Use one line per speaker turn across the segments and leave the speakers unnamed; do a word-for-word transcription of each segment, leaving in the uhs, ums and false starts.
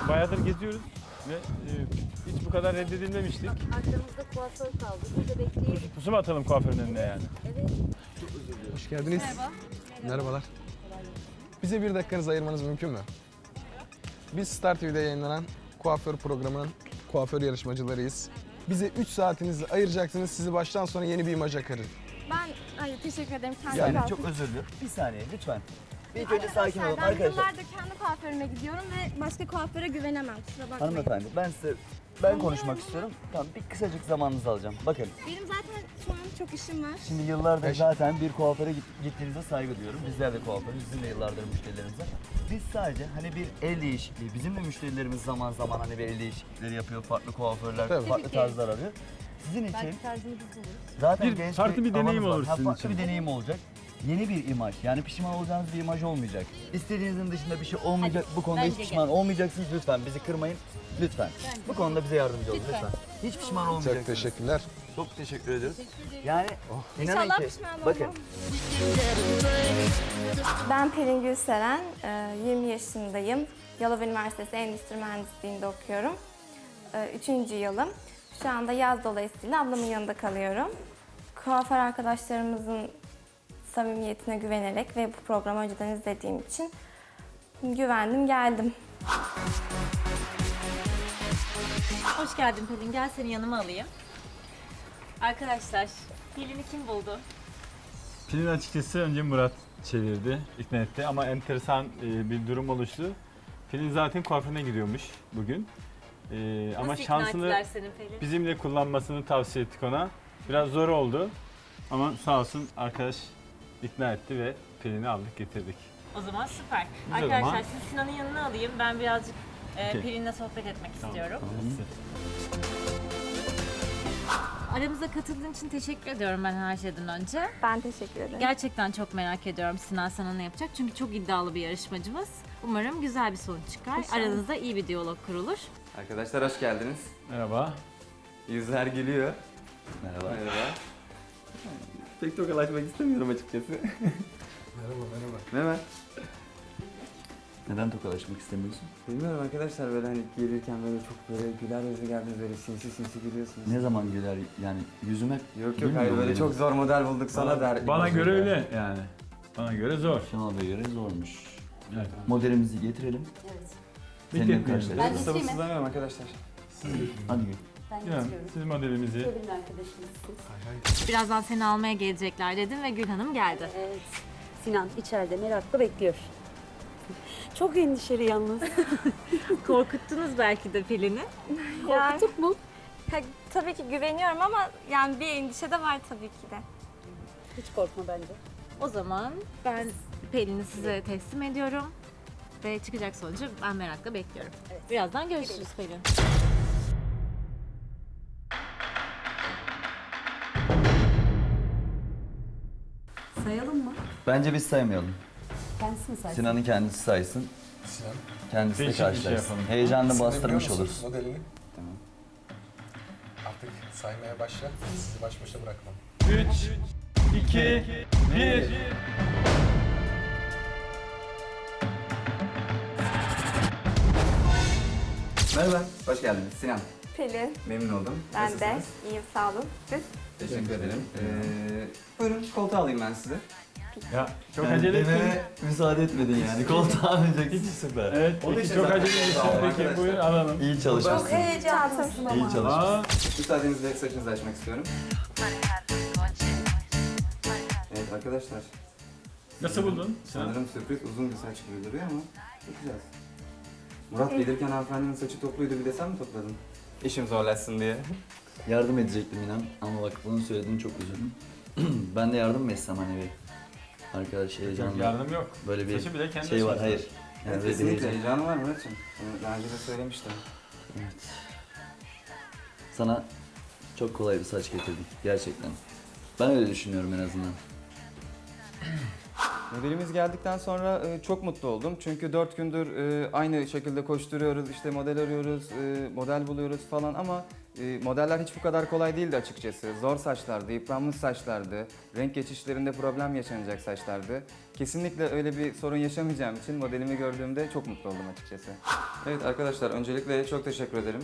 bayağıdır geziyoruz ve e, hiç bu kadar reddedilmemiştik.
Arkamızda kuaför kaldı. Burada bekleyelim.
Pusu mu atalım kuaförün önüne yani?
Evet.
Hoş geldiniz.
Merhaba.
Merhabalar. Bize bir dakikanızı ayırmanız mümkün mü? Biz Star T V'de yayınlanan kuaför programının kuaför yarışmacılarıyız. Bize üç saatinizi ayıracaksınız. Sizi baştan sona yeni bir imaja karın.
Ben hayır, teşekkür ederim. Kendi
Yani
kuaförüm.
Çok özür dilerim. Bir saniye lütfen. Bir ilk önce sakin olun
Ben
arkadaşlar.
yıllardır kendi kuaförüme gidiyorum ve başka kuaföre güvenemem. Kusura bakmayın.
Hanımefendi ben size ben konuşmak istiyorum. Tamam bir kısacık zamanınızı alacağım. Bakın
Benim zaten şu an çok işim var.
şimdi yıllardır
Beş-
zaten bir kuaföre git- gittiğinize saygı duyuyorum. Bizler de kuaförüz. Bizim de yıllardır müşterilerimiz var. Biz sadece hani bir el değişikliği. Bizim de müşterilerimiz zaman zaman hani bir el değişiklikleri yapıyor. Farklı kuaförler,
Tabii.
farklı tarzlar arıyor. Sizin için
Belki tarzını biz buluruz.
zaten
Bir
genç
farklı bir
havanız
deneyim
var.
olur
Ha,
sizin
farklı
için.
bir deneyim olacak. Yeni bir imaj. Yani pişman olacağınız bir imaj olmayacak. İstediğinizin dışında bir şey olmayacak. Bu konuda hiç
bence
pişman olmayacaksınız. Lütfen bizi kırmayın. Lütfen. Bu konuda bize yardımcı olun lütfen. Hiç pişman olmayacaksınız.
Çok teşekkürler.
Çok teşekkür ediyoruz. Yani inanın
İnşallah
ki
pişman olmam.
bakın
Ben Pelin Gülseren, yirmi yaşındayım. Yalova Üniversitesi Endüstri Mühendisliği'nde okuyorum. Üçüncü yılım. Şu anda yaz dolayısıyla ablamın yanında kalıyorum. Kuaför arkadaşlarımızın samimiyetine güvenerek ve bu programı önceden izlediğim için güvendim, geldim.
Hoş geldin Pelin. Gel seni yanıma alayım. Arkadaşlar, Pelin'i kim buldu?
Pilin açıkçası önce Murat çevirdi, ikna etti ama enteresan e, bir durum oluştu. Pilin zaten kuaförüne gidiyormuş bugün. E, ama
Nasıl ikna
şansını
ettiler seni Pelin?
bizimle kullanmasını tavsiye ettik ona. Biraz zor oldu ama sağ olsun arkadaş ikna etti ve Pelin'i aldık getirdik.
O zaman süper.
Biz o
Arkadaşlar
zaman-
siz Sinan'ın yanına alayım. Ben birazcık e,
Okey.
Pelin'le sohbet etmek istiyorum.
Tamam.
Aramıza katıldığın için teşekkür ediyorum ben her şeyden önce.
Ben teşekkür ederim.
Gerçekten çok merak ediyorum Sinan sana ne yapacak. Çünkü çok iddialı bir yarışmacımız. Umarım güzel bir sonuç çıkar.
İnşallah.
Aranızda iyi bir diyalog kurulur.
Arkadaşlar hoş geldiniz.
Merhaba.
Yüzler gülüyor.
merhaba.
Merhaba. Pek tokalaşmak istemiyorum açıkçası.
Merhaba, merhaba.
Merhaba.
Neden tokalaşmak istemiyorsun?
Bilmiyorum arkadaşlar böyle hani gelirken böyle çok böyle güler yüzlü geldiniz böyle sinsi sinsi gülüyorsunuz.
Ne zaman güler yani yüzüm hep
Yok yok
gülmüyor
hayır
mu
böyle
benim?
çok zor model bulduk sana der.
Bana göre öyle yani. Bana göre zor.
Şenol Bey'e göre zormuş.
Evet.
Modelimizi getirelim. Seninle
Bekletmeyelim.
karşılaşalım.
Ben sabırsızlanıyorum arkadaşlar.
Hadi gül.
Yani, siz modelimizi
Birazdan seni almaya gelecekler dedim ve Gül Hanım geldi.
Evet. Sinan içeride merakla bekliyor. Çok endişeli yalnız.
Korkuttunuz belki de Pelin'i.
Yani,
Korktuk mu?
ha, tabii ki güveniyorum ama yani bir endişe de var tabii ki de.
Hiç korkma bence.
O zaman ben Pelin'i size teslim ediyorum. Ve çıkacak sonucu ben merakla bekliyorum. Birazdan görüşürüz Pelin.
Sayalım mı?
Bence biz saymayalım.
Kendisi mi saysın?
Sinan'ın kendisi saysın.
Sinan.
Kendisi de
Değişik bir şey
karşılaşsın.
yapalım.
Heyecanını
Sinan
bastırmış
biliyor musunuz
oluruz.
modelini?
Tamam.
Artık saymaya başla. Sizi baş başa bırakmam.
üç, iki, bir.
Merhaba, hoş geldiniz. Sinan,
Pelin,
memnun oldum.
ben de.
Nasılsınız?
İyiyim, sağ olun. Siz?
Teşekkür ederim. Ee, buyurun koltuğa alayım ben sizi.
Ya çok
Yani
acele ettin.
dememe müsaade etmedin yani. Koltuğa alacaksın.
Hiç-
Süper.
Evet,
O da
peki
işte
çok
zaten-
acele ettin.
Tamam,
Peki
arkadaşlar.
buyurun alalım.
İyi çalışmışsın.
Heyecanlısın
İyi çalışmışsın.
Aa,
Müsaadenizle saçınızı açmak istiyorum. Evet arkadaşlar,
nasıl buldun? Sinan?
sanırım sürpriz uzun bir saç gibi duruyor ama bakacağız. Murat gelirken hanımefendinin saçı topluydu, bir de sen mi topladın? İşim zorlaşsın diye.
Yardım edecektim inan ama bak bunu söylediğin çok üzüldüm. Ben de yardım mı etsem hani bir arkadaş heyecanlı.
Yardım yok.
Böyle bir
Saçı bile kendi
şey var
açması.
hayır. Yani
Evet,
böyle bir
kesinlikle
heyecan.
heyecanı var Murat'cığım. Bunu daha önce de söylemiştim.
Evet. Sana çok kolay bir saç getirdik gerçekten. Ben öyle düşünüyorum en azından.
Modelimiz geldikten sonra e, çok mutlu oldum. Çünkü dört gündür e, aynı şekilde koşturuyoruz, işte model arıyoruz, e, model buluyoruz falan ama e, modeller hiç bu kadar kolay değildi açıkçası. Zor saçlardı, yıpranmış saçlardı, renk geçişlerinde problem yaşanacak saçlardı. Kesinlikle öyle bir sorun yaşamayacağım için modelimi gördüğümde çok mutlu oldum açıkçası. Evet arkadaşlar, öncelikle çok teşekkür ederim.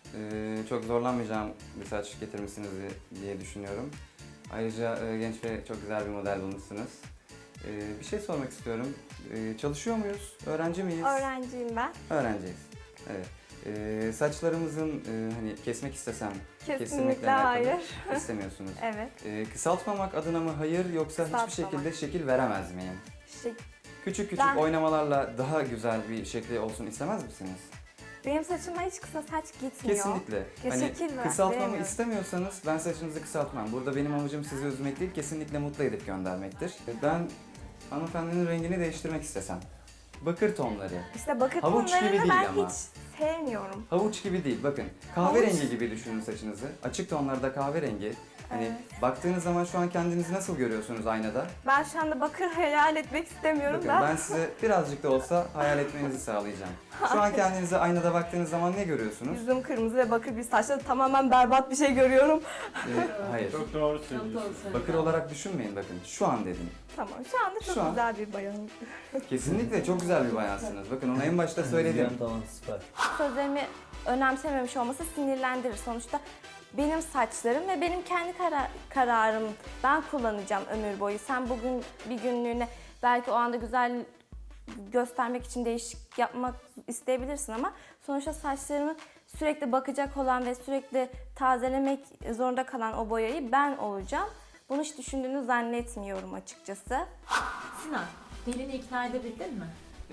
E, çok zorlanmayacağım bir saç getirmişsiniz diye düşünüyorum. Ayrıca e, genç ve çok güzel bir model bulmuşsunuz. Ee, bir şey sormak istiyorum. Ee, çalışıyor muyuz? Öğrenci miyiz?
Öğrenciyim ben.
Öğrenciyiz. Evet. Ee, saçlarımızın e, hani kesmek istesem
Kesinlikle
alakalı
hayır.
istemiyorsunuz.
Evet.
Ee, kısaltmamak adına mı hayır yoksa hiçbir
Kısaltmamak.
şekilde şekil veremez miyim?
Şey,
Küçük küçük
Ben-
oynamalarla daha güzel bir şekli olsun istemez misiniz?
benim saçıma hiç kısa saç gitmiyor.
Kesinlikle.
Ya
Hani
şekil ver-
kısaltmamı
veremiyorum.
istemiyorsanız ben saçınızı kısaltmam. Burada benim amacım sizi üzmek değil, kesinlikle mutlu edip göndermektir. Ben hanımefendinin rengini değiştirmek istesem. Bakır tonları.
İşte bakır
Havuç gibi
tonlarını
değil
ben
ama.
hiç sevmiyorum.
Havuç gibi değil, bakın kahverengi gibi düşünün saçınızı. Açık tonlarda kahverengi. Hani
Evet.
baktığınız zaman şu an kendinizi nasıl görüyorsunuz aynada?
Ben şu anda bakır hayal etmek istemiyorum
Bakın
da.
ben size birazcık da olsa hayal etmenizi sağlayacağım. Şu an kendinize aynada baktığınız zaman ne görüyorsunuz?
Yüzüm kırmızı ve bakır bir saçla tamamen berbat bir şey görüyorum.
Ee, hayır.
Çok doğru söylüyorsun.
Bakır olarak düşünmeyin bakın. Şu an dedim.
Tamam, şu anda çok
Şu an-
güzel bir bayanım.
Kesinlikle çok güzel bir bayansınız. Bakın onu en başta söyledim.
Tamam, süper.
Sözlerimi önemsememiş olması sinirlendirir. Sonuçta benim saçlarım ve benim kendi kara- kararım. Ben kullanacağım ömür boyu. Sen bugün bir günlüğüne belki o anda güzel göstermek için değişik yapmak isteyebilirsin ama sonuçta saçlarımı sürekli bakacak olan ve sürekli tazelemek zorunda kalan o boyayı ben olacağım. Bunu hiç düşündüğünü zannetmiyorum açıkçası.
Sinan, Pelin'i ikna edebildin mi?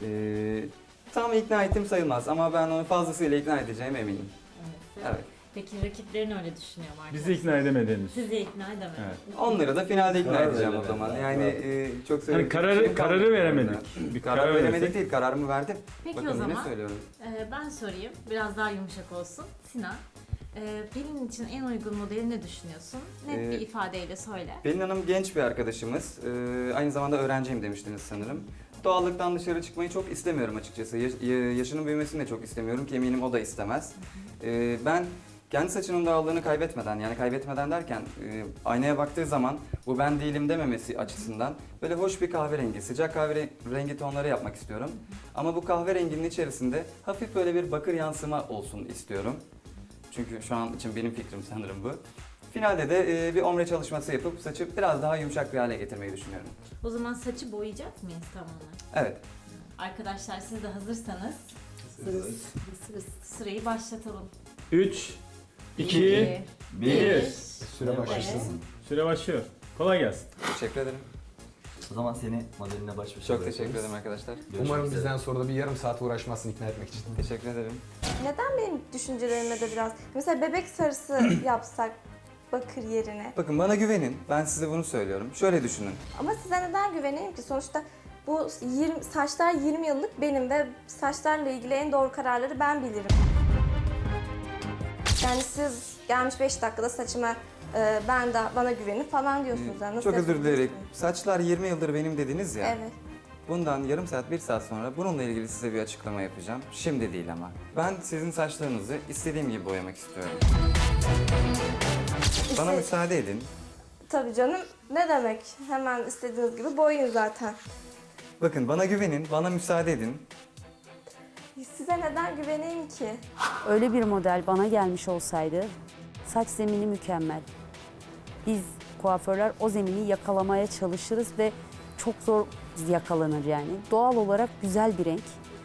Ee, tam ikna ettim sayılmaz ama ben onu fazlasıyla ikna edeceğime eminim.
Evet.
Evet.
Peki rakiplerin öyle düşünüyor mu arkadaşlar?
Bizi ikna edemediniz.
Sizi ikna edemedi.
Evet.
Onları da finalde ikna
Karar
edeceğim o
veremedim.
zaman. Yani e, çok
Hani
söyleyecek
kararı
bir şeyim
kararı
kalmadı
veremedik.
burada.
Bir
Karar
karar
veremedik
veremedik.
değil, kararımı verdim.
Peki
Bakın
o
yine
zaman
söylüyorum.
e, ben sorayım. Biraz daha yumuşak olsun. Sinan, e, Pelin için en uygun modeli ne düşünüyorsun? Net
Ee,
bir ifadeyle söyle.
Pelin Hanım genç bir arkadaşımız. Ee, aynı zamanda öğrenciyim demiştiniz sanırım. Doğallıktan dışarı çıkmayı çok istemiyorum açıkçası. Yaş- ya- yaşının büyümesini de çok istemiyorum ki eminim o da istemez. Ee, ben kendi saçının doğallığını kaybetmeden, yani kaybetmeden derken e, aynaya baktığı zaman bu ben değilim dememesi açısından böyle hoş bir kahverengi, sıcak kahverengi tonları yapmak istiyorum. Ama bu kahverenginin içerisinde hafif böyle bir bakır yansıma olsun istiyorum. Çünkü şu an için benim fikrim sanırım bu. Finalde de e, bir ombre çalışması yapıp saçı biraz daha yumuşak bir hale getirmeyi düşünüyorum.
O zaman saçı boyayacak mıyız tamamen?
Evet.
Arkadaşlar siz de hazırsanız sırayı başlatalım.
üç, iki, bir.
Süre başlasın.
Süre başlıyor. Kolay gelsin.
Teşekkür ederim.
O zaman seni modeline baş başa
Çok
bırakıyoruz.
teşekkür ederim arkadaşlar.
Görüşmek
Umarım
üzere.
bizden sonra da bir yarım saat uğraşmazsın ikna etmek için.
Teşekkür ederim.
Neden benim düşüncelerime de biraz... Mesela bebek sarısı yapsak bakır yerine.
Bakın bana güvenin. Ben size bunu söylüyorum. Şöyle düşünün.
Ama size neden güveneyim ki? Sonuçta bu yirmi, saçlar yirmi yıllık benim ve saçlarla ilgili en doğru kararları ben bilirim. Yani siz gelmiş beş dakikada saçıma e, ben de bana güvenin falan diyorsunuz. Yani nasıl
Çok özür dilerim.
yapabilirsiniz?
Saçlar yirmi yıldır benim dediniz ya.
Evet.
Bundan yarım saat, bir saat sonra bununla ilgili size bir açıklama yapacağım. Şimdi değil ama. Ben sizin saçlarınızı istediğim gibi boyamak istiyorum. Bana
İşte-
müsaade edin.
Tabii canım. Ne demek? Hemen istediğiniz gibi boyayın zaten.
Bakın bana güvenin, bana müsaade edin.
Size neden güveneyim ki?
Öyle bir model bana gelmiş olsaydı saç zemini mükemmel. Biz kuaförler o zemini yakalamaya çalışırız ve çok zor yakalanır yani. Doğal olarak güzel bir renk.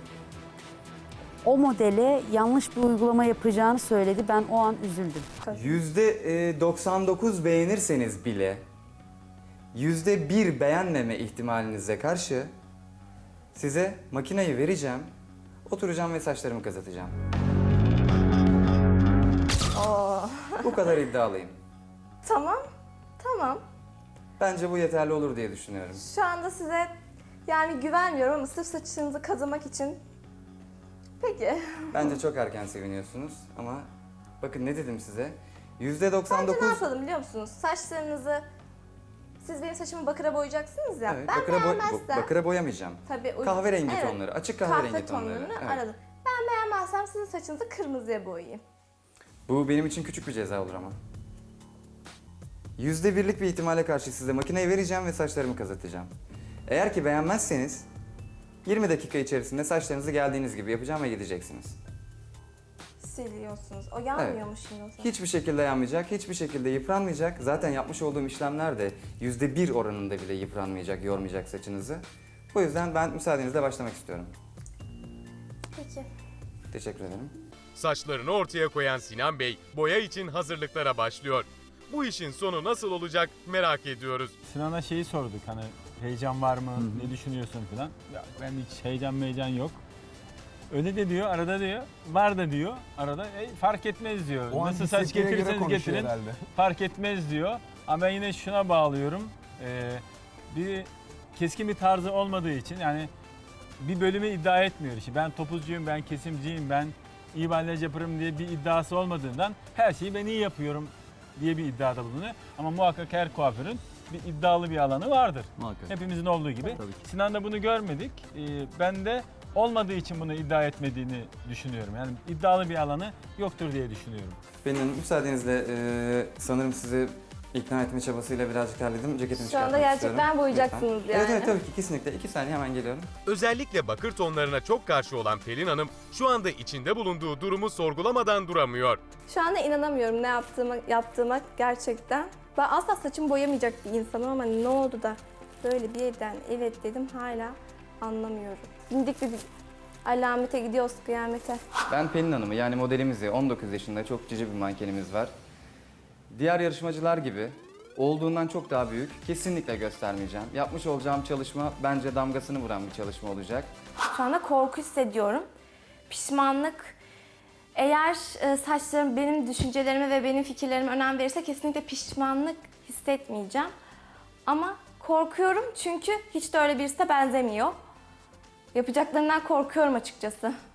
O modele yanlış bir uygulama yapacağını söyledi. Ben o an üzüldüm.
yüzde doksan dokuz beğenirseniz bile yüzde bir beğenmeme ihtimalinize karşı size makineyi vereceğim. Oturacağım ve saçlarımı kazıtacağım.
Oo.
Bu kadar iddialıyım.
Tamam. Tamam.
Bence bu yeterli olur diye düşünüyorum.
Şu anda size yani güvenmiyorum ama sırf saçınızı kazımak için. Peki.
Bence çok erken seviniyorsunuz ama bakın ne dedim size? yüzde doksan
Bence ne
dokuz
yapalım biliyor musunuz? Saçlarınızı siz benim saçımı bakıra boyayacaksınız ya.
Evet,
ben
bakıra, boy-
beğenmezsem...
bakıra boyamayacağım.
Tabii, uy-
Kahverengi
Evet,
tonları, açık kahverengi
kahve
tonları.
tonlarını
Evet.
aradım. Ben beğenmezsem sizin saçınızı kırmızıya boyayayım.
Bu benim için küçük bir ceza olur ama. Yüzde birlik bir ihtimale karşı size makineyi vereceğim ve saçlarımı kazıtacağım. Eğer ki beğenmezseniz yirmi dakika içerisinde saçlarınızı geldiğiniz gibi yapacağım ve gideceksiniz.
Siliyorsunuz. O yanmıyormuş şimdi o zaman.
Hiçbir şekilde yanmayacak, hiçbir şekilde yıpranmayacak. Zaten yapmış olduğum işlemler de yüzde bir oranında bile yıpranmayacak, yormayacak saçınızı. Bu yüzden ben müsaadenizle başlamak istiyorum.
Peki.
Teşekkür ederim.
Saçlarını ortaya koyan Sinan Bey boya için hazırlıklara başlıyor. Bu işin sonu nasıl olacak merak ediyoruz.
Sinan'a şeyi sorduk hani heyecan var mı, ne düşünüyorsun falan. Ya ben hiç heyecan meyecan yok. Öyle de diyor, arada diyor, var da diyor, arada e, fark etmez diyor.
O an
Nasıl saç
hissettiğine göre
getirirseniz
konuşuyor
getirin,
herhalde.
fark etmez diyor. Ama ben yine şuna bağlıyorum, ee, bir keskin bir tarzı olmadığı için yani bir bölümü iddia etmiyor işi. Ben topuzcuyum, ben kesimciyim, ben iyi balyaj yaparım diye bir iddiası olmadığından her şeyi ben iyi yapıyorum diye bir iddiada bulunuyor. Ama muhakkak her kuaförün bir iddialı bir alanı vardır.
Muhakkak.
Hepimizin olduğu gibi.
Tabii ki.
Sinan'da bunu görmedik. Ee, ben de olmadığı için bunu iddia etmediğini düşünüyorum. Yani iddialı bir alanı yoktur diye düşünüyorum.
Benim müsaadenizle e, sanırım sizi ikna etme çabasıyla birazcık terledim. Ceketimi
Şu anda
çıkartmak
gerçekten
istiyorum.
boyayacaksınız
Lütfen.
yani.
Evet evet tabii ki kesinlikle. İki saniye hemen geliyorum.
Özellikle bakır tonlarına çok karşı olan Pelin Hanım şu anda içinde bulunduğu durumu sorgulamadan duramıyor.
Şu anda inanamıyorum ne yaptığıma, yaptığıma gerçekten. Ben asla saçımı boyamayacak bir insanım ama ne oldu da böyle birden evet dedim hala anlamıyorum. Bindik bir alamete gidiyoruz kıyamete.
Ben Pelin Hanım'ı yani modelimizi on dokuz yaşında çok cici bir mankenimiz var. Diğer yarışmacılar gibi olduğundan çok daha büyük kesinlikle göstermeyeceğim. Yapmış olacağım çalışma bence damgasını vuran bir çalışma olacak.
Şu anda korku hissediyorum. Pişmanlık. Eğer e, saçlarım benim düşüncelerime ve benim fikirlerime önem verirse kesinlikle pişmanlık hissetmeyeceğim. Ama korkuyorum çünkü hiç de öyle birisine benzemiyor. Yapacaklarından korkuyorum açıkçası.